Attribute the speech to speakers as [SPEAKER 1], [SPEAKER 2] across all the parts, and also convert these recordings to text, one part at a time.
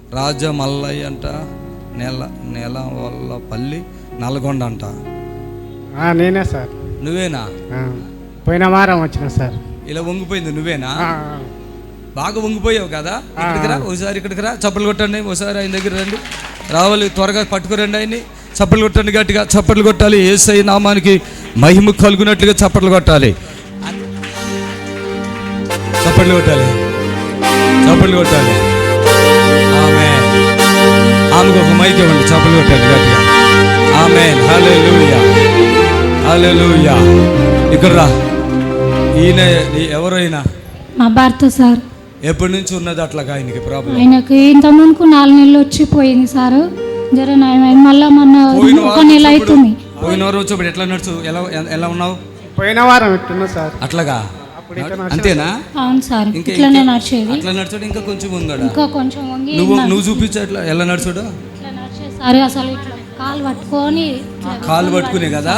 [SPEAKER 1] రాజమల్లయ్య అంట, నెలవల్లపల్లి, నల్గొండ అంట.
[SPEAKER 2] నేనే సార్.
[SPEAKER 1] నువ్వేనా?
[SPEAKER 2] పోయిన వారం వచ్చిన సార్.
[SPEAKER 1] ఇలా వంగిపోయింది నువ్వేనా? బాగా వంగిపోయావు కదా. ఇక్కడికి రా ఒకసారి, ఇక్కడికి రా, చప్పట్లు కొట్టండి ఒకసారి, ఆయన దగ్గర రండి. రావాలి, త్వరగా పట్టుకురండి ఆయన్ని. చప్పట్లు కొట్టండి, గట్టిగా చప్పట్లు కొట్టాలి. యేసయ్య నామానికి మహిమ కలుగునట్లుగా చప్పట్లు కొట్టాలి. చప్పట్లు కొట్టాలి, చప్పట్లు కొట్టాలి. ఆమెకు ఒక మైక్ ఇవ్వండి, చప్పట్లు కొట్టండి గట్టిగా. ఆమేన్. హల్లెలూయా, హల్లెలూయా. ఇక్కడ రా. ఈయన ఎవరైనా?
[SPEAKER 3] మా భర్త సార్.
[SPEAKER 1] ఎప్పటి నుంచి ఉన్నది అట్లాగా ఆయనకి ప్రాబ్లం?
[SPEAKER 3] ఆయనకి ఇంత ముందుకు 4 నెలలు వచ్చిపోయింది సార్. జర మళ్ళా మన ఒక నెల అవుతుంది.
[SPEAKER 1] పోయిన వారం వచ్చి ఎట్లా నడుచు, ఎలా ఉన్నావు?
[SPEAKER 2] పోయిన వారం ఎట్టున్నా సార్.
[SPEAKER 1] అట్లాగా అంతేనా?
[SPEAKER 3] అవును సార్, ఇట్లానే నడిచేది.
[SPEAKER 1] అట్లా నడుచాడు, ఇంకా కొంచెం ఉందా?
[SPEAKER 3] ఇంకా కొంచెం వంగి.
[SPEAKER 1] నువ్వు చూపించు అట్లా ఎలా నడుచాడు.
[SPEAKER 3] ఇట్లా నడిచేది సార్. అసలు ఇట్లా కాలు పట్టుకునే
[SPEAKER 1] కదా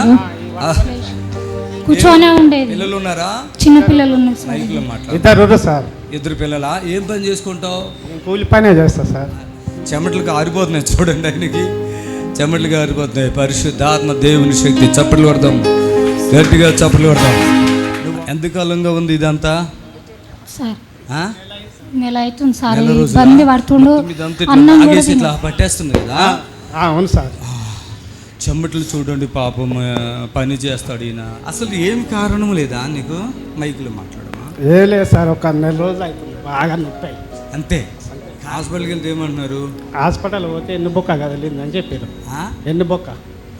[SPEAKER 3] కూర్చొనే ఉండేది.
[SPEAKER 1] పిల్లలు ఉన్నారా?
[SPEAKER 3] చిన్న పిల్లలు ఉన్నారు సార్.
[SPEAKER 2] ఇద్దరు సార్.
[SPEAKER 1] ఇద్దరు పిల్లలా? ఏం పని చేసుకుంటావు?
[SPEAKER 2] కూలి పనే చేస్తా సార్.
[SPEAKER 1] చెమటలకు ఆరిపోతున్నాయి చూడండి, ఆయనకి చెమటలు ఆరిపోతున్నాయి. పరిశుద్ధాత్మ దేవుని శక్తి. చప్పట్లు కొడదాం గట్టిగా, చప్పట్లు కొడదాం. ఎంతకాలంగా ఉంది ఇదంతా
[SPEAKER 3] సార్? నెల అవుతుంది సార్. ఇబ్బంది పడుతుండు,
[SPEAKER 1] ఇట్లా పట్టేస్తుంది కదా.
[SPEAKER 2] అవును సార్.
[SPEAKER 1] చెమటలు చూడండి పాపం, పని చేస్తాడు ఈయన. అసలు ఏం కారణం లేదా నీకు? మైకులో మాట్లాడమా?
[SPEAKER 2] ఏ లేదు సార్, ఒక నెల రోజులు అవుతుంది బాగా నొప్పి.
[SPEAKER 1] అంతే. హాస్పిటల్కి వెళ్తే ఏమంటున్నారు?
[SPEAKER 2] హాస్పిటల్ పోతే ఎన్నుబొక్క కదిలిందని చెప్పారు. ఎన్నుబొక్క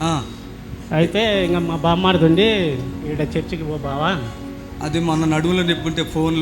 [SPEAKER 2] అయితే ఇంకా మా బామ్మాడుతుండి ఈడ చర్చికి పో బావా.
[SPEAKER 1] అది మొన్న నడువులో నిప్పుంటే ఫోన్లో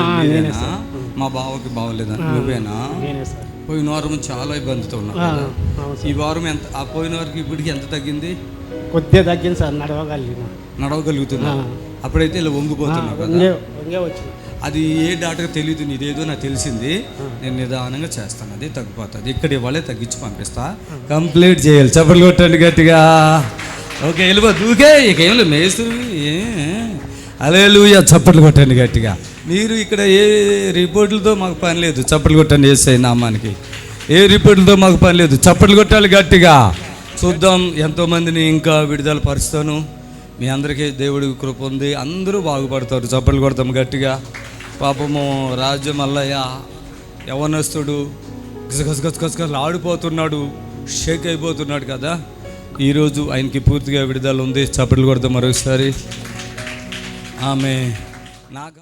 [SPEAKER 1] మా బావకి బాగోలేదా? నువ్వేనా? పోయిన వారం చాలా ఇబ్బందితో ఉన్నా. ఈ వారం ఎంత? ఆ పోయిన వారికి ఇప్పటికి ఎంత తగ్గింది?
[SPEAKER 2] కొద్దిగా తగ్గింది సార్.
[SPEAKER 1] నడవగలుగుతున్నా. అప్పుడైతే ఇలా వంగిపోతున్నా కదా. అది ఏ డాక్టర్ తెలియదు, ఇదేదో నాకు తెలిసింది. నేను నిదానంగా చేస్తాను, అది తగ్గిపోతుంది. ఇక్కడ ఇవాళే తగ్గించి పంపిస్తా. కంప్లీట్ చేయాలి. చప్పట్లు కొట్టండి గట్టిగా. ఓకే, వెళ్ళిపో దూకే. ఇక ఏం లేదు, మేస్తుంది. హల్లెలూయా. చప్పట్లు కొట్టండి గట్టిగా. మీరు ఇక్కడ ఏ రిపోర్టులతో మాకు పని లేదు. చప్పట్లు కొట్టండి యేసయ్య నామానికి. ఏ రిపోర్టులతో మాకు పని లేదు. చప్పట్లు కొట్టాలి గట్టిగా. చూద్దాం, ఎంతోమందిని ఇంకా విడుదల పరుస్తాను. మీ అందరికీ దేవుడి కృప ఉంది, అందరూ బాగుపడతారు. చప్పట్లు కొడతాం గట్టిగా. పాపము రాజమల్లయ్య యవనస్తుడు, గసగసగసగసగస ఆడిపోతున్నాడు, షేక్ అయిపోతున్నాడు కదా. ఈరోజు ఆయనకి పూర్తిగా విడుదల ఉంది. చప్పట్లు కొడతాం మరొకసారి. ఆమె